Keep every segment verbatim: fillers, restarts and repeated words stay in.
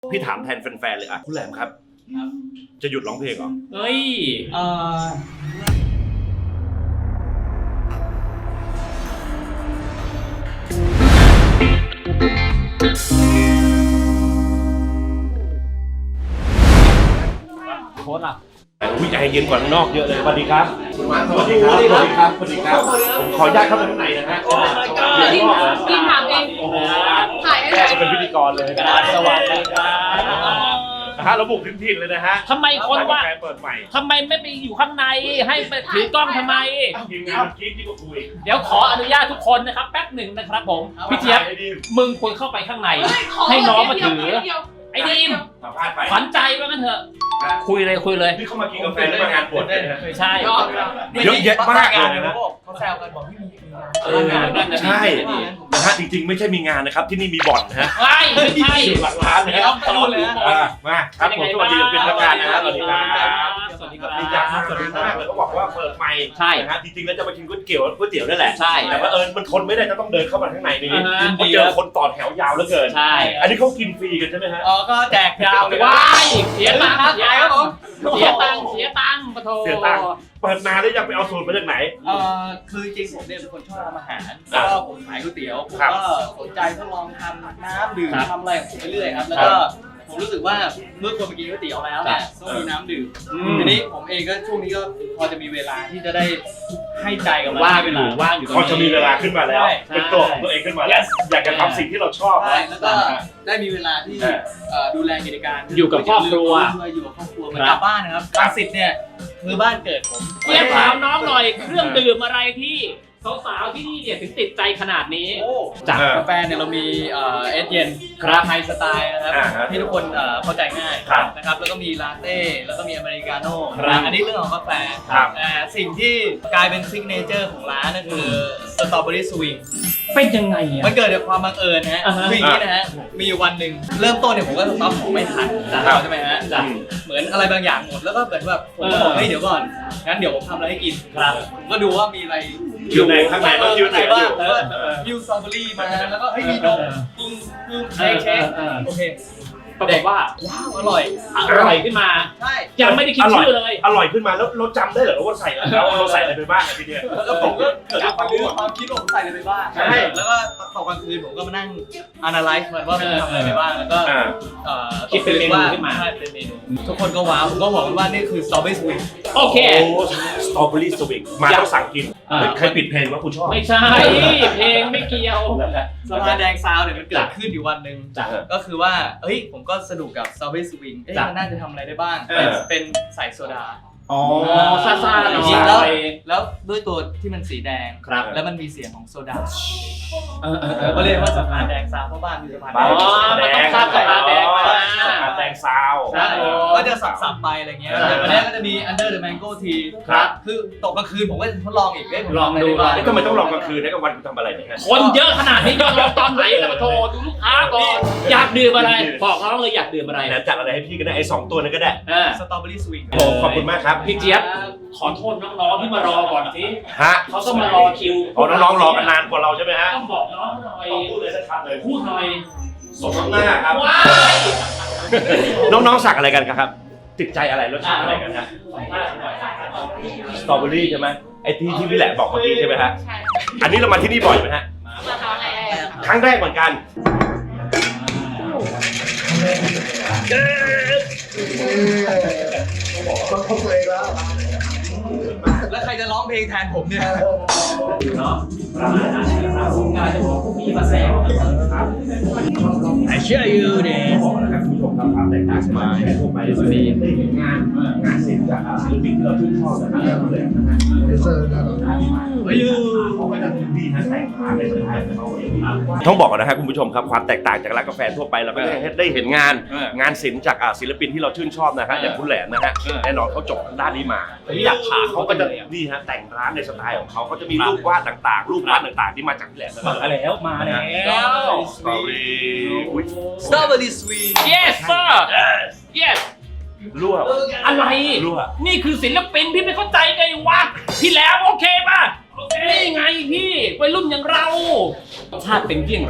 พี่ถามแทนแฟนๆเลยอ่ะคุณแหลมครับจะหยุดร้องเพลงเหรอเฮ้ยเออโค้ดอ่ะวิจัยเย็นกว่าข้างนอกเยอะเลยสวัสดีครับสวัสดีครับสวัสดีครับสวัสดีครับผมขออนุญาตเข้าไปข้างในนะฮะดิมดิมถามเองถ่ายให้เลยเป็นพิธีกรเลยสวัสดีครับนะฮะเราบุกถึงถิ่นเลยนะฮะทำไมคนว่าเปิดใหม่ทำไมไม่ไปอยู่ข้างในให้ไปถือกล้องทำไมทีมงานคิดที่ก็คุยเดี๋ยวขออนุญาตทุกคนนะครับแป๊บหนึ่งนะครับผมพี่เจี๊ยบมึงควรเข้าไปข้างในให้น้องมาถือไอ้ดีมขวัญใจว่างั้นเถอะคุยเลยคุยเลยที่เขามากินกาแฟในงานบวชเลยไม่ใช่เยอะแยะมากเลยนะเขาแซวกันบอกพี่มีเออใช่นะฮะจริงๆไม่ใช่มีงานนะครับที่นี่มีบ่อนนะฮะไม่ไม่ใช่หลักฐานนะครับมาครับผมสวัสดีเป็นทางการนะครับสวัสดีครับสวัสดีครับดีจังสวัสดีมากเลยเขาบอกว่าเปิดใหม่ใช่นะฮะจริงๆแล้วจะมากินก๋วยเตี๋ยวก๋วยเตี๋ยวนั่นแหละใช่แต่ว่าเออมันทนไม่ได้จะต้องเดินเข้ามาข้างในนี้เพราะเจอคนต่อแถวยาวเหลือเกินใช่อันนี้เขากินฟรีกันใช่ไหมฮะอ๋อก็แจกยาวเลยว้ายเสียตังค์เสียครับผมเสียตังค์เสียตังค์ปะโถเสียตังค์เปิดนานแล้วยังไปเอาสูตรมาจากไหนเอ่อคือจริงผมเนี่ยเป็นคนชอบทำอาหารแล้วก็ผมขายก๋วยเตี๋ยวผมก็สนใจทดลองทำน้ำดื่มทำอะไรของผมไปเรื่อยครับแล้วก็ผมรู้สึกว่าเมื่อคนไปกินก๋วยเตี๋ยวแล้วเนี่ยต้องมีน้ำดื่มทีนี้ผมเองก็ช่วงนี้ก็พอจะมีเวลาที่จะได้ให้ใจกับมันว่างอยู่ว่างอยู่พอจะมีเวลาขึ้นมาแล้วเป็นตัวของตัวเองขึ้นมาแล้วอยากจะทำสิ่งที่เราชอบแล้วก็ได้มีเวลาที่ดูแลกิจการอยู่กับครอบครัวอยู่กับครอบครัวเหมือนกลับบ้านนะครับรังสิตเนี่ยคือบ้านเกิดผมเรียกถามน้องหน่อยเครื่องดื่มอะไรที่สาวๆที่นี่เนี่ยถึงติดใจขนาดนี้จากกาแฟเนี่ยเรามีเอสเย็นคราฟไฮสไตล์นะครับที่ทุกคนเข้าใจง่ายนะครับแล้วก็มีลาเต้แล้วก็มีอเมริกาโน่อันนี้เรื่องของกาแฟแต่สิ่งที่กลายเป็นซิกเนเจอร์ของร้านก็คือสตรอเบอรี่สวิงเป็นยังไงอ่ะมันเกิดจากความบังเอิญนะฮะคืออย่างนี้นะฮะมีวันหนึ่งเริ่มต้นเนี่ยผมก็สต็อปของไม่ทันใช่ไหมฮะเหมือนอะไรบางอย่างหมดแล้วก็เหมือนแบบผมก็บอกเฮ้ยเดี๋ยวก่อนงั้นเดี๋ยวผมทำอะไรให้กินผมก็ดูว่ามีอะไรอยู่ในข้างในก็คิวไหนบ้างยูสตรอเบอรี่มาแล้วก็เฮ้ยมีนมกุ้งกุ้งเชคเชคโอเคปรากฏว่าว้าวอร่อยอร่อยขึ้นมาใช่ยังไม่ได้คิดชื่อเลยอร่อยขึ้นมาแล้วเราจำได้เหรอว่าใส่อะไรเราใส่อะไรไปบ้างทีเดียวแล้วผมก็เกิดความรู้ความคิดว่าผมใส่อะไรไปบ้างใช่แล้วก็ตอนกลางคืนผมก็มานั่ง analyze มันว่าผมทำอะไรไปบ้างแล้วก็คิดเป็นเมนูขึ้นมาใช่เป็นเมนูทุกคนก็ว้าวผมก็บอกว่านี่คือสตรอเบอรี่สวิงโอเคสตรอเบอรี่สวิงมาต้องสั่งกินใครปิดเพลงว่าคุณชอบไม่ใช่เพลงไม่เกี่ยวสภาแดงซาวเนี่ยมันเกิดขึ้นอยู่วันหนึ่งก็คือว่าเฮ้ยผมก็สนุกกับสตรอเบอรี่สวิงมันน่าจะทำอะไรได้บ้างเป็นใส่โซดาอ๋อซาซาจริงแล้วแล้วด้วยตัวที่มันสีแดงครับแล้วมันมีเสียงของโซดาก็เรียกว่าสะพานแดงซาวเพราะบ้านมีสะพานแดงอ๋อมันต้องข้ามสะพานแดงมาสะพานแดงซาวก็จะสับๆไปอะไรเงี้ยวันนี้ก็จะมี Under the Mango Tea ครับคือตกกลางคืนผมก็ทดลองอีกได้ผมลองดูทำไมต้องลองกลางคืนนะกลางวันคุณทำอะไรเนี่ยคนเยอะขนาดนี้ก็ลองตอนไหนล่ะมาโทรดูลูกค้าก่อนอยากดื่มอะไรบอกน้องเลยอยากดื่มอะไรนะจัดอะไรให้พี่ก็ได้ไอ้สองตัวนั้นก็ได้สตรอเบอรี่สวิงโอ้ขอบคุณมากครับพี่เจี๊ยบขอโทษน้องๆที่มารอก่อนสิฮะเขาก็มารอคิวอ๋อน้องๆรอกันนานกว่าเราใช่ไหมฮะต้องบอกน้องหน่อยพูดเลยสักคำเลยพูดหน่อยสมน้ำหน้าครับน้องๆสั่งอะไรกันครับติดใจอะไรรสชาติอะไรกันฮะสตรอเบอรี่ใช่ไหมไอ้ที่ที่พี่แหละบอกเมื่อกี้ใช่ไหมฮะอันนี้เรามาที่นี่บ่อยไหมฮะครั้งแรกเหมือนกันแล้วใครจะร้องเพลงแทนผมเนี่ยเนาะประมาณนั้นนะครับผมงานจะบอกพวกพี่มาแซวครับ I share you เนี่ยบอกนะครับคุณผู้ชมครับความแตกต่างมาให้ทั่วไปจะมีงานงานศิลป์จากศิลปินที่เราชื่นชอบนะครับเลยนะฮะเซอร์นะเฮ้ยเขาก็จะดีนะแต่งร้านในสไตล์ของเขาเองต้องบอกนะฮะคุณผู้ชมครับความแตกต่างจากร้านกาแฟทั่วไปเราก็ได้เห็นงานงานศิลป์จากศิลปินที่เราชื่นชอบนะฮะอย่างคุณแหลมนะฮะแน่นอนเขาจบด้านนี้มาที่อยากถามเขาก็จะนี่ฮะแต่งร้านในสไตล์ของเขาเขาจะมีรูปวาดต่างๆรูปวาดต่างๆที่มาจากแหลมมาแล้วมาแล้วสตรอเบอรี่สตรอเบอรี่สวีท yes sir yes รั่วอะไรรั่วนี่คือศิลปินพี่ไม่เข้าใจไงวะพี่แล้วโอเคป่ะนี่ไงพี่วัยรุ่นอย่างเราชาติเป็นเยี่ยงไร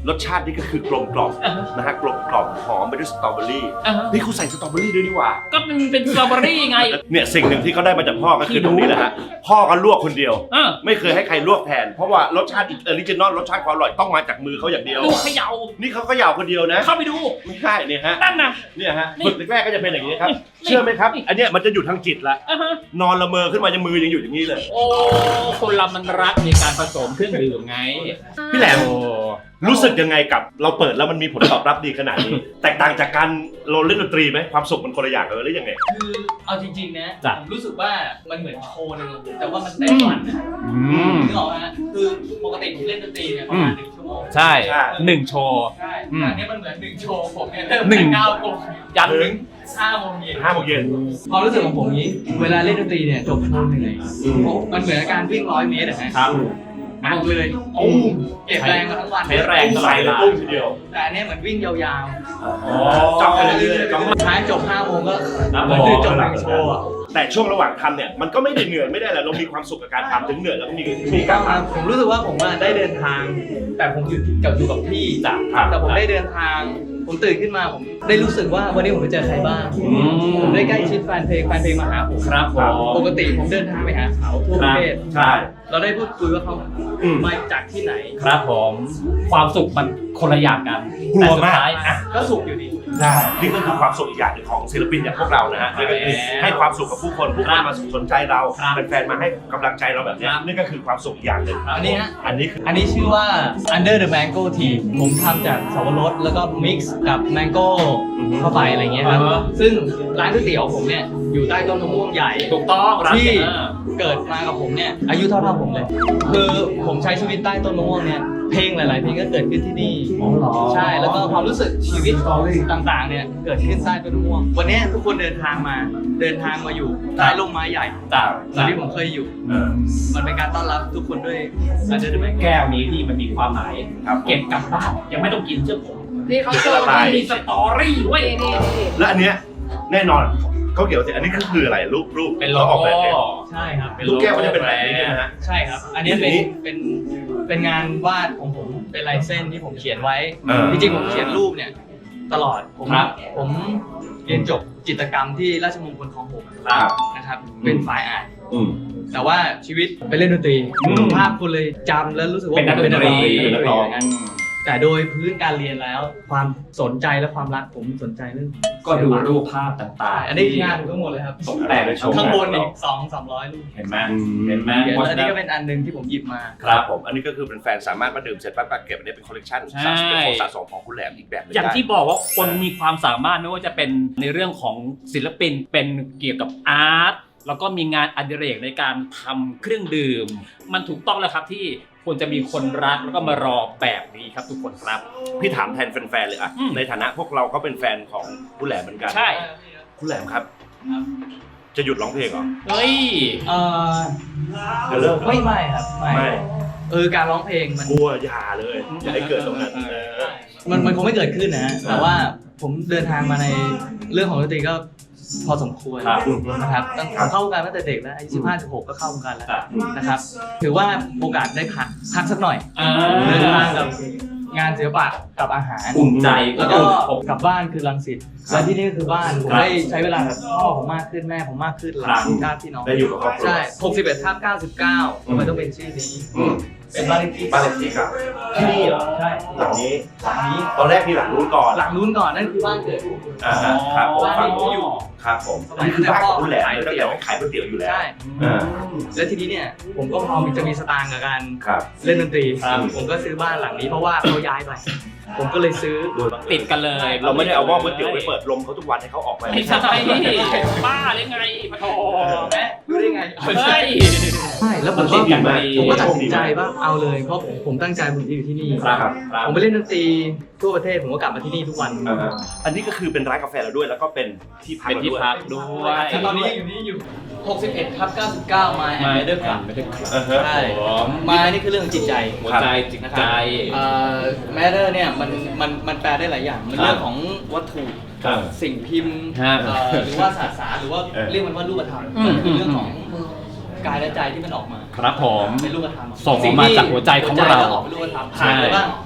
รสชาตินี่ก็คือกลมกล่อมนะฮะกลมกล่อมหอมไปด้วยสตรอเบอรี่อ่าฮะนี่เขาใส่สตรอเบอรี่ด้วยนี่หว่าก็เป็นเป็นสตรอเบอรี่ไงเนี่ยสิ่งหนึ่งที่เขาได้มาจากพ่อก็คือตรงนี้แหละฮะพ่อก็ลวกคนเดียวอ่ะไม่เคยให้ใครลวกแทนเพราะว่ารสชาติออริจินอลรสชาติความอร่อยต้องมาจากมือเขาอย่างเดียวดูเขย่านี่เขาเขย่าคนเดียวนะเข้าไปดูไม่ใช่เนี่ยฮะนั่นน่ะเนี่ยฮะนี่ฝึกแรกๆก็จะเป็นอย่างนี้ครับนี่เชื่อไหมครับ อันเนี้ยมันจะอยู่ทางจิตละอ่ะฮะนอนละเมอขึ้นมาจะมือยังอยู่อย่างนี้เลยโอ้คนเรามันรักในการผสมเครื่องดื่มไงพี่แหลมโอ้รู้สึกยังไงกับเราเปิดแล้วมันมีผลตอบรับดีขนาดนี้ แตกต่างจากการเราเล่นดนตรีไหมความสุขมันคนละอย่างกันหรือยังไงคือเอาจริงๆนะจ้ะผมรู้สึกว่ามันเหมือนโชว์หนึงแต่ว่ามันเต็มวันนะอืมนึกออกไหมฮะคือปกติผมเล่นดนตรีเนี่ยประมาณหนึ่งชั่วโมงใช่ใช่หนึ่งโชว์ใช่อืมแต่อันนี้มันเหมือนหนึ่งโชว์ผมเนี่ยเริ่มหนึ่งเก้าโมงยันถึงห้าโมงเย็นห้าโมงเย็นความรู้สึกของผมนี้ เวลาเล่นดนตรีเนี่ยจบโชว์เหนื่อยมันเหมือนการวิ่งร้อยเมตรอะฮะครับอัดเลยตุ้มเก็บแรงมาทั้งวันใช้แรงใส่เลยตุ้มทีเดียวแต่อันเนี้ยเหมือนวิ่งยาวๆจ้องไปเรื่อยๆจ้องๆท้ายจบห้าโมงก็ครับเหมือนคือจบหนึ่งโชว์อะแต่ช่วงระหว่างทำเนี่ยมันก็ไม่ได้เหนื่อยไม่ได้อะไรเรามีความสุขกับการทำถึงเหนื่อยแล้วก็มีมีก็การครับทำผมรู้สึกว่าผมอะได้เดินทาง แต่ผมอยู่กับอยู่กับพี่จ้ะแต่ผมได้เดินทาง ผมตื่นขึ้นมาผมได้รู้สึกว่าวันนี้ผมไปเจอใครบ้าง ผมได้ใกล้ชิดแฟนเพลงแฟนเพลงมาหาผมครับผมปกติผมเดินทางไปหาเขาทั่วประเทศใช่เราได้พูดคุยว่าเขาอืมมาจากที่ไหนครับผมความสุขมันคนละอย่างกันกลัวมากแต่สุดท้ายอ่ะก็สุขอยู่ดีได้นี่ก็คือความสุขอีกอย่างหนึ่งของศิลปินอย่างพวกเรานะฮะนี่ก็คือให้ความสุขกับผู้คนผู้คนมาสนใจเราครับเป็นแฟนมาให้กำลังใจเราแบบเนี้ยครับนี่ก็คือความสุขอีกอย่างหนึ่งอันนี้ฮะอันนี้คืออันนี้ชื่อว่า Under the Mango Tea ผมทำจากสับปะรดแล้วก็ mix กับ mango เข้าไปอะไรเงี้ยครับอ่าฮะซึ่งร้านก๋วยเตี๋ยวผมเนี่ยอยู่ใต้ต้นมะม่วงใหญ่ถูกต้องร้านที่เอ่อเกิดมากับผมเนี่ยอายุเท่าๆผมเลย คือผมใช้ชีวิตใต้ต้นมะม่วงเนี่ยเพลงหลาย ๆ เพลงก็เกิดขึ้นที่นี่อ๋อเหรอใช่แล้วก็ความรู้สึกชีวิตต่างๆเนี่ยเกิดขึ้นใต้ต้นมะม่วง วันนี้ทุกคนเดินทางมาเดินทางมาอยู่ใต้ร่มไม้ใหญ่จ้ะเหมือนที่ผมเคยอยู่เออมันเป็นการต้อนรับทุกคนด้วย Under the Mango แก้วนี้ที่มันมีความหมายครับเก็บกลับบ้านยังไม่ต้องกินเชื่อผมนี่เขาโชว์ใช่มันมีสตอรี่เว้ยนี่นี่นี่และอันเนี้ยแน่นอนเขาเกี่ยวกับอันนี้ก็คืออะไรรูปรูปเป็นโลขาออกโก้แบบเองใช่ครับเป็นลูโลกโก้แก้วมันจะเป็นแบบนี้ใช่ไหมฮะใช่ครับ อันนี้เป็นนี่เป็นเป็นงานวาดของผมเป็นลายเส้นที่ผมเขียนไว้เออจริงๆผมเขียนรูปเนี่ยตลอดผมครับผมเรียนจบจิตรกรรมที่ราชมงคลคลองหกครับนะครับเป็นฝ่ายอ่านอืมแต่ว่าชีวิตไปเล่นดนตรีอืมภาพคุณเลยจำแล้วรู้สึกว่าเป็นนักดนตรีเป็นนักดนตรีเป็นนักร้องอย่างนั้นแต่โดยพื้นการเรียนแล้ว ความสนใจและความรักผมสนใจเรื่องก็ดูรูปภาพต่างๆอันนี้งานผมทั้งหมดเลยครับตกแต่งโชว์ข้างบนอีกสองสามร้อยรูปเห็นไหมอืมเห็นไหมเดี๋ยวเพราะอันฉะนี้นั้นก็เป็นอันหนึงที่ผมหยิบมาครับผมอันนี้ก็คือเป็นแฟนสามารถมาดื่มเสร็จปั๊บก็เก็บอันนี้เป็นคอลเลกชันใช่เป็นของสะสมของคุณแหลมอีกแบบหนึงอย่างได้ที่บอกว่าคนมีความสามารถไม่ว่าจะเป็นในเรื่องของศิลปินเป็นเกี่ยวกับอาร์ตแล้วก็มีงานอดิเรกในการทำเครื่องดื่ม มันถูกต้องแล้วครับที่ควรจะมีคนรักแล้วก็มารอแบบนี้ครับทุกคนครับพี่ถามแทนแฟนๆเลยอะอืมในฐานะพวกเราก็เป็นแฟนของคุณแหลมเหมือนกันใช่คุณแหลมครับ จะหยุดร้องเพลงเหรอเฮ้ยเอ่อจะเลิกไม่ไม่ครับไม่ไม่เออการร้องเพลงมันกลัวอย่าเลยอย่าให้เกิดตรงนั้นเออมันมันคงไม่เกิดขึ้นนะฮะแต่ว่าผมเดินทางมาในเรื่องของดนตรีก็พอสมควรครับนะครับตั้งผมเข้าวงการตั้งแต่เด็กแล้วอายุสิบห้าสิบหกก็เข้าวงการแล้วครับนะครับ ถือว่าโอกาสได้พักพักสักหน่อยอ่าเดินทางกับงานศิลปะกับอาหารอุ่นใจแล้วก็กลับบ้านคือรังสิตและที่นี่ก็คือบ้านผมครับได้ใช้เวลากับพ่อผมมากขึ้นแม่ผมมากขึ้นหลานญาติพี่น้องได้อยู่กับครอบครัวใช่หกสิบเอ็ดทับเก้าสิบเก้าทำไมต้องเป็นชื่อนี้อืมเป็นบ้านเลขที่บ้านเลขที่ครับที่นี่เหรอใช่หลังนี้หลังนี้ตอนแรกมีหลังนู้นก่อนหลังนู้นก่อนนั่นคือบ้านเกิดผมอ่าฮะครับผมบ้านฝั่งที่ผมอยู่ครับผมอันนี้คือบ้านของคุณแหลมเลยตั้งแต่ว่าขายก๋วยเตี๋ยวอยู่แล้วใช่อ่าแล้วทีนี้เนี่ยผมก็พอมีจะมีสตางค์กับการครับเล่นดนตรีครับผมก็ซื้อบ้านหลังนี้เพราะว่าเขาย้ายไป ผมก็เลยซื้อติดกันเลยเราไม่ได้เอาหม้อก๋วยเตี๋ยวไปเปิดลมเขาทุกวันให้เขาออกไปไม่ใช่บ้าหรือไงปะโถแม่รู้ได้ไงเฮ้ยใช่แล้วผมติก็ดกันพอดีผมก็ตัดสินใจว่าเอาเลยเพราะผมผมตั้งใจผมจะอยู่ที่นี่ครับครับผมไปเล่นดนตรีทั่วประเทศผมก็กลับมาที่นี่ทุกวันอ่าฮะอันนี้ก็คือเป็นร้านกาแฟเราด้วยแล้วก็เป็นที่พักเป็นเราที่ด้วยพักด้วยแต่ตอนนี้อยู่นี่อยู่หกสิบเอ็ดทับเก้าสิบเก้าไมล์มาแอนด์ด้เดวอย ร์คกัลันบไม่ได้ครับอ่าฮะใช่ผมไมล์นี่คือเรื่องจิตใจหัวใจจิตใจแมทเตอร์เนี่ยมันมันมันแปลได้หลายอย่าง มันครับเรื่องของวัตถุครับสิ่งพิมพ์ฮะเอ่อหรือว่าสสารหรือว่าเออเรียกมันว่ารูปธรรมอืมมันคือเรื่องของกายและใจที่มันออกมาครับผมเป็นรูปธรรมส่งออกมาจากหัวใจของเราหัวใจแล้วออกเป็นรูปธรรมผ่านไปบ้างไม่ผ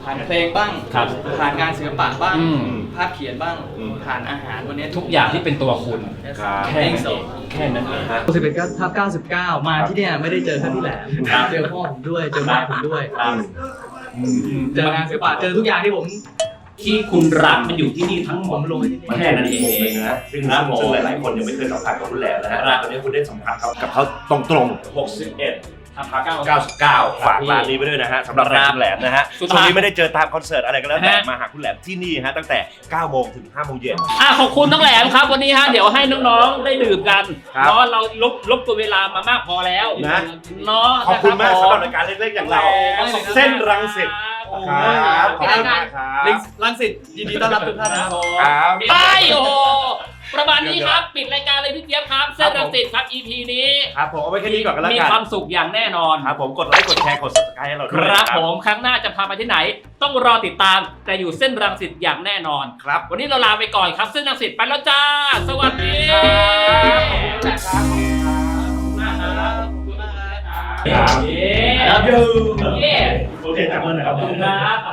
ผ่านเพลงบ้างครับผ่านงานศิลปะบ้างอืมภาพเขียนบ้าง ผ่านอาหารวันนี้ทุกอย่างที่เป็นตัวคุณครับแค่นั้นเองแค่นั้นเองสิบเอ็ดทับเก้าสิบเก้ามาที่เนี่ยไม่ได้เจอแค่พี่แหลมครับเจอพ่อผมด้วยเจอแม่ผมด้วยครับเจองานศิลปะเจอทุกอย่างที่ผมที่คุณรักมันอยู่ที่นี่ทั้งหมดผมลงไปที่นี่แค่นั้นเองมุมหนึ่งนะซึ่งครับผมซึ่งหลายๆคนยังไม่เคยสัมผัสกับคุณแหลมนะฮะครับตอนนี้คุณได้สัมผัสเขากับเขาตรงๆหกสิบเอ็ดทับเก้าเก้าสิบเก้าฝากร้านนี้ไปด้วยนะฮะสำหรับแฟนคุณแหลมนะฮะสุดช่วงท้ายนี้ไม่ได้เจอตามคอนเสิร์ตอะไรก็แล้วแต่ฮะมาหาคุณแหลมที่นี่ฮะตั้งแต่เก้าโมงถึงห้าโมงเย็นอ่ะขอบคุณน้องแหลมครับวันนี้ฮะเดี๋ยวให้น้องๆได้ดื่มกันครับเนาะเราลบลบตัวเวลามามากพอแล้วนะเนาะขอบคุณมากนะสำหรัรับรายการเล็กๆอย่างเราขอบคุณเส้นรังสิต ครับขอบคุณมากครัลิบงลังสิตยินดีต้อนรับทุกท่านนะครับครับไปโอ้โหประมาณนี้ครับปิดรายการเลยพี่เจี๊ยบครับเส้นรังสิตครับ อี พี นี้ครับผมเอาไว้แค่นี้ก่อนกันแล้วมีกันความสุขอย่างแน่นอนครับผมกดไลค์กดแชร์กด subscribe ให้เราคด้วยรับนะผมครั้งหน้าจะพาไปที่ไหน ต้องรอติดตามแต่อยู่เส้นรังสิตอย่างแน่นอนครับวันนี้เราลาไปก่อนครับเส้นรังสิตไปแล้วจ้า สวัสดีครับครับครับเย้โอเคจับมือหน่อยครับขอบคุณครับ